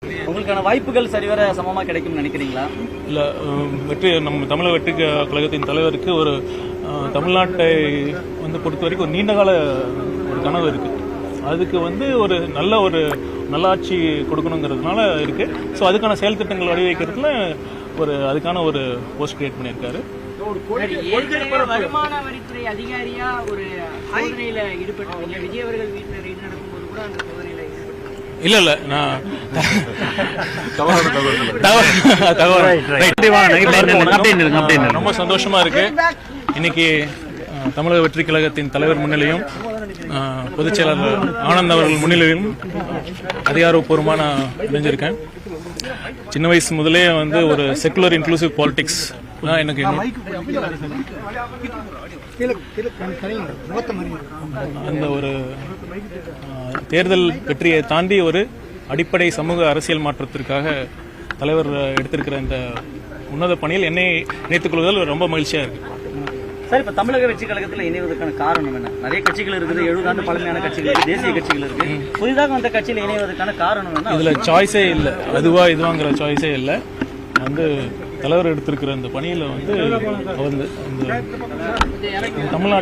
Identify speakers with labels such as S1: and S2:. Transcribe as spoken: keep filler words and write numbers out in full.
S1: உங்களுக்கான வாய்ப்புகள் சரிவர சமமா கிடைக்கும் நினைக்கிறீங்களா?
S2: இல்ல, வெற்றி நம்ம தமிழக வெற்றி கழகத்தின் தலைவருக்கு ஒரு தமிழ்நாட்டை வந்து பொறுத்த வரைக்கும் ஒரு நீண்ட கால ஒரு கனவு இருக்கு. அதுக்கு வந்து ஒரு நல்ல ஒரு நல்லாட்சி கொடுக்கணுங்கிறதுனால இருக்கு. ஸோ அதுக்கான செயல் திட்டங்கள் வடிவமைக்கிறதுல ஒரு அதுக்கான ஒரு போஸ்ட் கிரியேட் பண்ணியிருக்காரு.
S3: வருமான வரித்துறை அதிகாரியா ஒரு சோதனையில ஈடுபட்டீங்க. விஜய் அவர்கள் வீட்டில் ரெய்டு நடக்கும்போது கூட அந்த சோதனையில
S2: இல்ல இல்ல நான் ரொம்ப சந்தோஷமா இருக்கு. இன்னைக்கு தமிழக வெற்றி கழகத்தின் தலைவர் முன்னிலையும் பொதுச் செயலாளர் ஆனந்த் அவர்கள் முன்னிலையும் அதிகாரப்பூர்வமான இணைஞ்சிருக்கேன். சின்ன வயசு முதலே வந்து ஒரு செக்குலர் இன்க்ளூசிவ் பாலிடிக்ஸ் தான் எனக்கு அந்த ஒரு தேர்தல் வெற்றியை தாண்டி ஒரு அடிப்படை சமூக அரசியல் மாற்றத்திற்காக தலைவர் எடுத்திருக்கிற இந்த உன்னத பணியில் என்னை இணைத்துக் கொள்வதில் ரொம்ப மகிழ்ச்சியா இருக்கு.
S1: சார், இப்ப தமிழக வெற்றி கழகத்தில் இணைவதற்கான காரணம் என்ன? நிறைய கட்சிகள் இருக்குது, எழுபது ஆண்டு பழமையான கட்சிகள் இருக்கு, தேசிய கட்சிகள் இருக்கு. புதிதாக அந்த கட்சியில் இணைவதற்கான காரணம் என்ன?
S2: இதுல சாய்ஸே இல்லை, அதுவா இதுவாங்கிற சாய்ஸே இல்லை. வந்து தலைவர் எடுத்திருக்கிற இந்த பணியில வந்து தமிழ்நாடு